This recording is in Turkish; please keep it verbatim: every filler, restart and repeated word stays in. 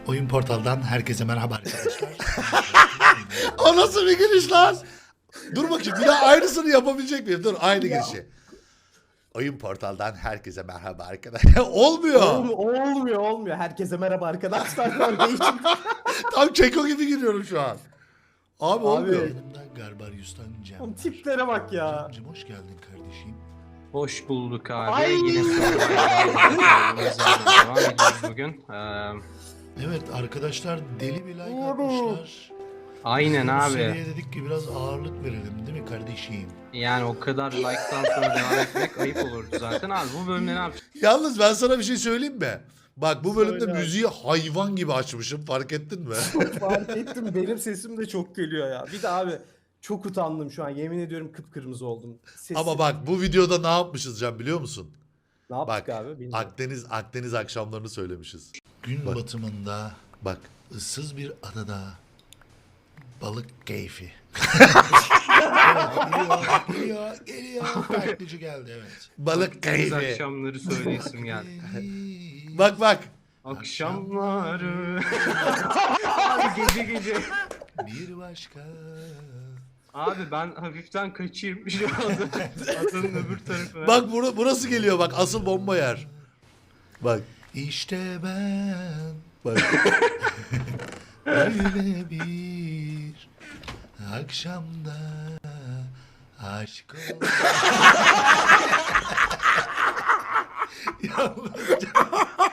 Oyun Portal'dan herkese merhaba arkadaşlar. O nasıl bir giriş lan? Dur bakayım bir daha aynısını yapabilecek miyim? Dur aynı girişi. Oyun Portal'dan herkese merhaba arkadaşlar. Olmuyor. Olmuyor, olmuyor, olmuyor. Herkese merhaba arkadaşlar. Ben değişim. Tam Keko gibi giriyorum şu an. Abi, olmuyor. Yanımda Garbarius'tan Cem. Oğlum var. tiplere bak ya. Cem'cim hoş geldin kardeşim. Hoş bulduk abi. Ay! Yine Survivor'da devam ediyoruz bugün. Ee, Evet arkadaşlar deli bir like Oğlum. atmışlar. aynen Bu abi. seriye dedik ki biraz ağırlık verelim değil mi kardeşim? Yani o kadar like'tan sonra devam etmek ayıp olurdu zaten abi. Bu bölümde ne yapacağız? Yalnız ben sana bir şey söyleyeyim mi? Bak bu bölümde Söyle abi. müziği hayvan gibi açmışım, fark ettin mi? Fark ettim. Benim sesim de çok geliyor ya. Bir de abi çok utandım şu an. Yemin ediyorum kıpkırmızı oldum. Sesim... Ama bak bu videoda ne yapmışız Can biliyor musun? Ne yaptık Bak abi? Bilmiyorum. Akdeniz Akdeniz akşamlarını söylemişiz. Gün Bak. batımında Bak ıssız bir adada balık keyfi. evet, geliyor, geliyor, geliyor. Taklitçi geldi evet. balık Biz keyfi. akşamları söyleyesim geldi. Bak bak. Akşamları. Abi gece gece. Bir başka. Abi ben hafiften kaçayım şu anda. Adanın öbür tarafına. Bak bura, burası geliyor bak asıl bomba yer. Bak. İşte ben Bak. öyle bir akşamda aşk oldum. Yalnız